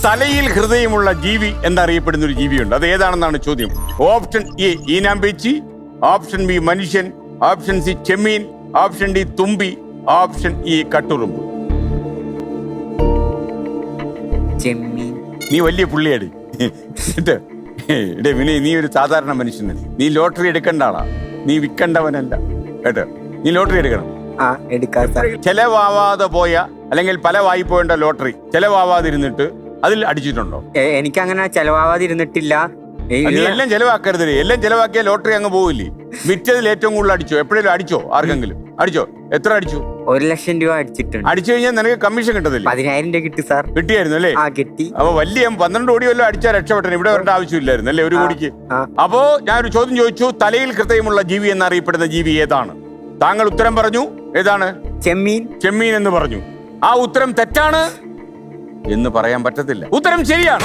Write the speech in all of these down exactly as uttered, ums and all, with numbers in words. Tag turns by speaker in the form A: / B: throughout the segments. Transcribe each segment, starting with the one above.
A: തലയിൽ ഹൃദയമുള്ള ജീവി എന്നറിയപ്പെടുന്ന ഒരു ജീവിയുണ്ട്. അത് ഏതാണെന്നാണ് ചോദ്യം. ഓപ്ഷൻ എ ഈനാമ്പേച്ചി, ഓപ്ഷൻ ബി മനുഷ്യൻ, ഓപ്ഷൻ സി ചെമ്മീൻ, ഓപ്ഷൻ ഡി തുമ്പി, ഓപ്ഷൻ ഇ കട്ടുറുമ്പ്.
B: ചെമ്മീൻ.
A: നീ വലിയ പുള്ളിയാടി എടേ വിനയ്, നീ ഒരു സാധാരണ മനുഷ്യനല്ല. നീ ലോട്ടറി എടുക്കേണ്ട ആളാ, നീ വിൽക്കേണ്ടവനല്ല കേട്ടോ. നീ ലോട്ടറി എടുക്കണം.
B: ആ എടുക്കാം സാർ.
A: ചെലവാവാതെ പോയ അല്ലെങ്കിൽ പല വായ്പോണ്ട ലോട്ടറി ചെലവാവാതിരുന്നിട്ട് അതിൽ അടിച്ചിട്ടുണ്ടോ?
B: എ- എനിക്കങ്ങനെ ചെലവാവാതിരുന്നിട്ടില്ല. ഈ
A: നീ എല്ലാം ചെലവാക്കരുത്. എല്ലാം ചെലവാക്കിയ ലോട്ടറി അങ്ങ് പോവില്ലേ. വിറ്റതിൽ ഏറ്റവും കൂടുതൽ അടിച്ചോ? എപ്പോഴേലും അടിച്ചോ? ആർക്കെങ്കിലും അടിച്ചോ? എത്ര അടിച്ചു?
B: ഒരു ലക്ഷം രൂപ അടിച്ചിട്ടുണ്ട്.
A: അടിച്ചു കഴിഞ്ഞാൽ നിനക്ക് കമ്മീഷൻ കിട്ടത്തില്ല?
B: പതിനായിരം രൂപ കിട്ടി സാർ.
A: കിട്ടിയായിരുന്നു അല്ലേ?
B: ആ കിട്ടി.
A: അപ്പൊ വലിയ പന്ത്രണ്ട് കോടി വല്ലതും അടിച്ചാൽ രക്ഷപ്പെട്ടു. ഇവിടെ വരേണ്ട ആവശ്യമില്ലായിരുന്നു അല്ലേ ഒരു കോടിക്ക്.
B: ആ.
A: അപ്പോ ഞാനൊരു ചോദ്യം ചോദിച്ചു, തലയിൽ ഹൃദയമുള്ള ജീവി എന്നറിയപ്പെടുന്ന ജീവി ഏതാണ്? താങ്കൾ ഉത്തരം പറഞ്ഞു. ഏതാണ്?
B: ചെമ്മീൻ.
A: ചെമ്മീൻ എന്ന് പറഞ്ഞു. ആ ഉത്തരം തെറ്റാണ് എന്ന് പറയാൻ പറ്റത്തില്ല. ഉത്തരം ശരിയാണ്.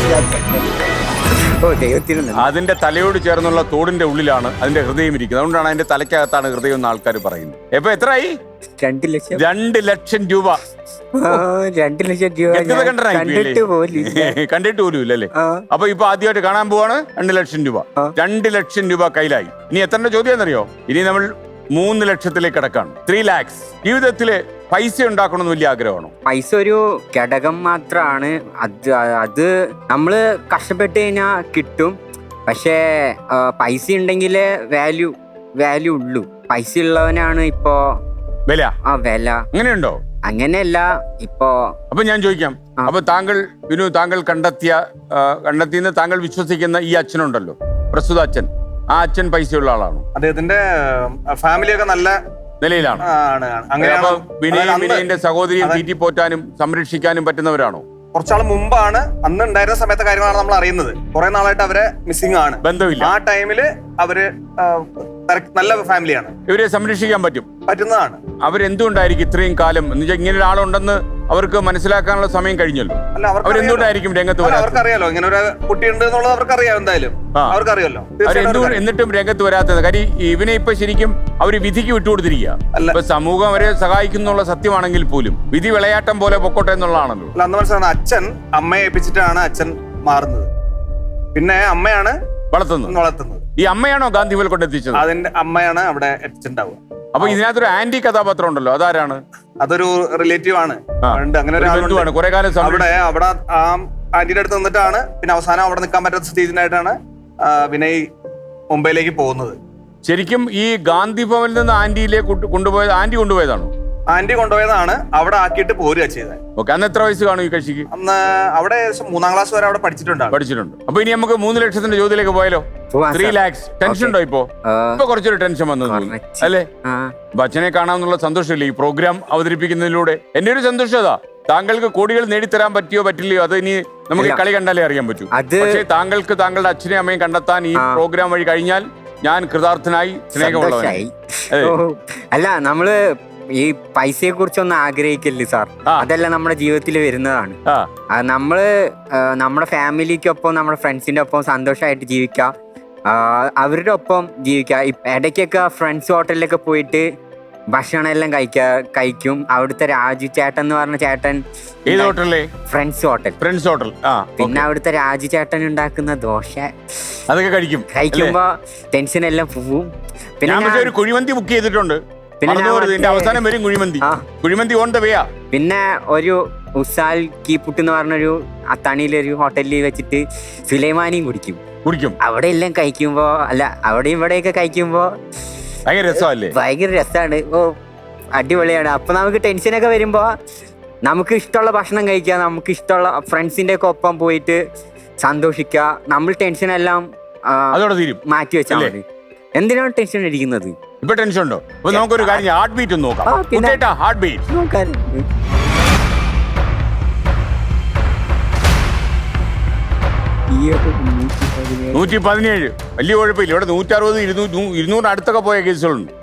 B: ഓ ദൈവത്തിന് നന്ദി.
A: അതിന്റെ തലയോട് ചേർന്നുള്ള തോടിന്റെ ഉള്ളിലാണ് അതിന്റെ ഹൃദയം ഇരിക്കുന്നത്. അതുകൊണ്ടാണ് അതിന്റെ തലയ്ക്കകത്താണ് ഹൃദയം എന്ന് ആൾക്കാർ പറയുന്നത്. എപ്പൊ എത്രയായി?
B: രണ്ട് ലക്ഷം.
A: രണ്ട് ലക്ഷം രൂപ.
B: ആ, രണ്ട് ലക്ഷം രൂപ
A: വ്യക്തത
B: ഞാൻ
A: കണ്ടനായി
B: കണ്ടിട്ട് പോലും ഇല്ല.
A: കണ്ടിട്ട് പോലും ഇല്ലല്ലേ?
B: ആ.
A: അപ്പൊ ഇപ്പൊ ആദ്യമായിട്ട് കാണാൻ പോവാണ്. രണ്ട് ലക്ഷം രൂപ.
B: ആ.
A: രണ്ട് ലക്ഷം രൂപ കയ്യിലായി. ഇനി എത്ര ചോദ്യം എന്നറിയോ? ഇനി നമ്മൾ മൂന്ന് ലക്ഷത്തിലേക്ക് കിടക്കാണ്. ത്രീ ലാക്സ്. ജീവിതത്തില് പൈസ ഉണ്ടാക്കണമെന്ന് വലിയ ആഗ്രഹമാണോ?
B: പൈസ ഒരു ഘടകം മാത്രമാണ്. അത് അത് നമ്മള് കഷ്ടപ്പെട്ട് കഴിഞ്ഞാൽ കിട്ടും. പക്ഷേ ആ, പൈസ ഉണ്ടെങ്കിൽ വാല്യൂ വാല്യൂ ഉള്ളൂ. പൈസ ഉള്ളവനാണ് ഇപ്പോ
A: വില.
B: ആ വില.
A: അങ്ങനെയുണ്ടോ?
B: അങ്ങനെയല്ല ഇപ്പോ.
A: അപ്പൊ ഞാൻ ചോദിക്കാം.
B: ആ.
A: അപ്പൊ താങ്കൾ വിനു താങ്കൾ കണ്ടെത്തിയ ആ, കണ്ടെത്തിയെന്ന് താങ്കൾ വിശ്വസിക്കുന്ന ഈ അച്ഛനുണ്ടല്ലോ, പ്രസ്തുത അച്ഛൻ, ആ അച്ഛൻ പൈസയുള്ള ആളാണോ?
C: അദ്ദേഹത്തിന്റെ ഫാമിലിയൊക്കെ നല്ല
A: നിലയിലാണ്.
C: ആണ്, ആണ്. അങ്ങനെയാണ്.
A: അപ്പൊ വിനയ്
C: അതായത് അന്ന്
A: വിനയന്റെ സഹോദരിയെ
C: അതെ.
A: തീറ്റി പോറ്റാനും സംരക്ഷിക്കാനും പറ്റുന്നവരാണോ?
C: കുറച്ചാൾ മുമ്പാണ്, അന്ന് ഉണ്ടായിരുന്ന സമയത്തെ കാര്യങ്ങളാണ് നമ്മൾ അറിയുന്നത്. കുറെ നാളായിട്ട് അവരെ മിസ്സിംഗ് ആണ്.
A: ബന്ധമില്ല.
C: ആ ടൈമില് അവര് ആ, തിരക്ക്- നല്ല ഫാമിലിയാണ്,
A: ഇവരെ സംരക്ഷിക്കാൻ പറ്റും.
C: പറ്റുന്നതാണ്.
A: അവരെന്തുകൊണ്ടായിരിക്കും ഇത്രയും കാലം എന്ന് വെച്ചാൽ ഇങ്ങനെ ഒരാളുണ്ടെന്ന് അവർക്ക് മനസ്സിലാക്കാനുള്ള സമയം കഴിഞ്ഞല്ലോ.
C: അല്ല, അവർക്ക്
A: അവരെന്തുകൊണ്ടായിരിക്കും രംഗത്ത്
C: അല്ല,
A: വരാത്തത്?
C: അവർക്കറിയാലോ ഇങ്ങനെ ഒരു കുട്ടിയുണ്ട് എന്നുള്ളത് അവർക്കറിയാം. എന്തായാലും
A: ആ.
C: അവർക്കറിയാലോ.
A: അവരെന്തുകൊണ്ട് എന്നിട്ടും രംഗത്ത് വരാത്തത്? കാര്യം ഇവനെ ഇപ്പൊ ശരിക്കും അവര് വിധിക്ക് വിട്ടുകൊടുത്തിരിക്കുക.
C: അല്ല.
A: ഇപ്പൊ സമൂഹം അവരെ സഹായിക്കുന്നുള്ള സത്യമാണെങ്കിൽ പോലും വിധി വിളയാട്ടം പോലെ പൊക്കോട്ടെ എന്നുള്ളതാണല്ലോ.
C: അല്ല, അന്ന് മനസ്സിലാണ് അച്ഛൻ അമ്മയെ ഏൽപ്പിച്ചിട്ടാണ് അച്ഛൻ മാറുന്നത്. പിന്നെ അമ്മയാണ്
A: വളർത്തുന്നത്.
C: വളർത്തുന്നത്.
A: ഈ അമ്മയാണോ ഗാന്ധിവൽ കൊണ്ടെത്തിച്ചത്?
C: അതിന്റെ അമ്മയാണ് അവിടെ എത്തിച്ചിട്ടുണ്ടാവുക.
A: അപ്പൊ ഇതിനകത്തൊരു ആന്റി കഥാപാത്രം ഉണ്ടല്ലോ, അതാരാണ്?
C: അതൊരു റിലേറ്റീവ് ആണ്.
A: ആ.
C: ഉണ്ട്, അങ്ങനെ
A: ഒരു
C: ഒരാളുണ്ട്.
A: ബന്ധുവാണ്. കുറെ കാലം സംരക്ഷി-
C: അവിടെ അവിടെ ആ ആന്റിയുടെ അടുത്ത് നിന്നിട്ടാണ് പിന്നെ അവസാനം അവിടെ നിൽക്കാൻ പറ്റാത്ത സ്റ്റേജിനായിട്ടാണ് ആ, വിനയ് മുംബൈയിലേക്ക് പോകുന്നത്.
A: ശരിക്കും ഈ ഗാന്ധി ഭവനിൽ നിന്ന് ആന്റിയിലേക്ക് കൊണ്ടു- കൊണ്ടുപോയത് ആന്റി കൊണ്ടുപോയതാണോ?
C: ആന്റി കൊണ്ടുപോയതാണ്. അവിടെ ആക്കിയിട്ട് പോരുക ചെയ്തത്.
A: ഓക്കെ. അന്ന് എത്ര വയസ്സ് കാണും ഈ കക്ഷിക്ക്?
C: അന്ന് അവിടെ ഏകദേശം മൂന്നാം ക്ലാസ് വരെ അവിടെ പഠിച്ചിട്ടുണ്ടാവും.
A: പഠിച്ചിട്ടുണ്ട്. അപ്പൊ ഇനി നമുക്ക് മൂന്ന് ലക്ഷത്തിന്റെ ചോദ്യത്തിലേക്ക് പോയാലോ?
B: പോവാം
A: ത്രീ
B: സാർ.
A: ലാക്സ്. ടെൻഷൻ ഉണ്ടോ ഇപ്പോ?
B: ആ,
A: ഇപ്പൊ കുറച്ചൊരു ടെൻഷൻ വന്നത്
B: കുറച്ച്.
A: അല്ലേ?
B: ആ.
A: അപ്പൊ അച്ഛനെ കാണാമെന്നുള്ള സന്തോഷമില്ലേ ഈ പ്രോഗ്രാം അവതരിപ്പിക്കുന്നതിലൂടെ? എന്റെ ഒരു സന്തോഷം അതാ. താങ്കൾക്ക് കോടികൾ നേടിത്തരാൻ പറ്റിയോ പറ്റില്ലയോ അത് ഇനി നമുക്ക്
B: ഇല്ല.
A: കളി കണ്ടാലേ അറിയാൻ പറ്റൂ.
B: അത്
A: പക്ഷേ താങ്കൾക്ക് താങ്കളുടെ അച്ഛനെയും അമ്മയും കണ്ടെത്താൻ ഈ
B: ആ.
A: പ്രോഗ്രാം വഴി കഴിഞ്ഞാൽ ഞാൻ കൃതാർത്ഥനായി സ്നേഹമുള്ളവനായി.
B: സന്തോഷായി.
A: അതെ.
B: ഓ, അല്ല നമ്മള് ഈ പൈസയെ കുറിച്ചൊന്നും ആഗ്രഹിക്കല്ലേ സാർ.
A: ആ.
B: അതെല്ലാം നമ്മുടെ ജീവിതത്തിൽ വരുന്നതാണ്.
A: ആ.
B: ആ, നമ്മള് ആ, നമ്മുടെ ഫാമിലിക്കൊപ്പം നമ്മുടെ ഫ്രണ്ട്സിന്റെ ഒപ്പം സന്തോഷമായിട്ട് ജീവിക്കാം. ആ, അവരുടെ ഒപ്പം ജീവിക്കാം. ഇപ്പ- ഇടയ്ക്കൊക്കെ ഫ്രണ്ട്സ് ഹോട്ടലിലൊക്കെ പോയിട്ട് ഭക്ഷണം എല്ലാം കഴിക്കാ കഴിക്കും. അവിടുത്തെ രാജു ചേട്ടൻ എന്ന് പറഞ്ഞ ചേട്ടൻ
A: ഏത് ഹോട്ടലിലെ?
B: Friends hotel.
A: Friends hotel. ആ.
B: പിന്നെ അവിടുത്തെ രാജു ചേട്ടൻ ഉണ്ടാക്കുന്ന ദോശ
A: അതൊക്കെ കഴിക്കും.
B: കഴിക്കുമ്പോ ടെൻഷൻ എല്ലാം പോവും. പിന്നെ
A: ഞാൻ പക്ഷേ
B: ഞാൻ-
A: ഒരു കുഴിമന്തി ബുക്ക് ചെയ്തിട്ടുണ്ട്.
B: പിന്നെ ഞാൻ
A: മറന്നുപോകരുത്. ഇതിന്റെ
B: മറ്റേ-
A: അവസാനം വരും കുഴിമന്തി.
B: ആ.
A: കുഴിമന്തി ഓൺ ദ വേയാ.
B: പിന്നെ ഒരു ഉസാൽ കീപ്പുട്ട് എന്ന് പറഞ്ഞൊരു അത്താണിയിലൊരു ഹോട്ടലിൽ വെച്ചിട്ട് സുലൈമാനിയും കുടിക്കും.
A: കുടിക്കും.
B: അവിടെ എല്ലാം കഴിക്കുമ്പോ അല്ല അവിടെ ഇവിടെയൊക്കെ കഴിക്കുമ്പോ
A: ഭയങ്കര രസമല്ലേ?
B: ഭയങ്കര രസമാണ്. ഓ അടിപൊളിയാണ്. അപ്പൊ നമുക്ക് ടെൻഷനൊക്കെ വരുമ്പോ നമുക്ക് ഇഷ്ടമുള്ള ഭക്ഷണം കഴിക്കുക, നമുക്ക് ഇഷ്ടമുള്ള ഫ്രണ്ട്സിന്റെ ഒക്കെ ഒപ്പം പോയിട്ട് സന്തോഷിക്കുക. നമ്മൾ ടെൻഷനെല്ലാം ആ,
A: അതോടെ തീരും.
B: മാറ്റി വെച്ചാൽ
A: അല്ലേ?
B: മതി. എന്തിനാണ് ടെൻഷൻ അടിക്കുന്നത്?
A: ഇപ്പൊ ടെൻഷൻ ഉണ്ടോ? അപ്പൊ നമുക്കൊരു കാര്യം ഹാർട്ട് ബീറ്റ് ഒന്ന് നോക്കാം.
B: ആ, പിന്നെ-
A: ഹാർട്ട് ബീറ്റ്.
B: നോക്കാൻ
A: നൂറ്റി പതിനേഴ്. വലിയ കുഴപ്പമില്ല. ഇവിടെ നൂറ്റി അറുപത് ഇരുന്നൂറ് ഇരുന്നൂറിന് അടുത്തൊക്കെ പോയ കേസുകളുണ്ട്.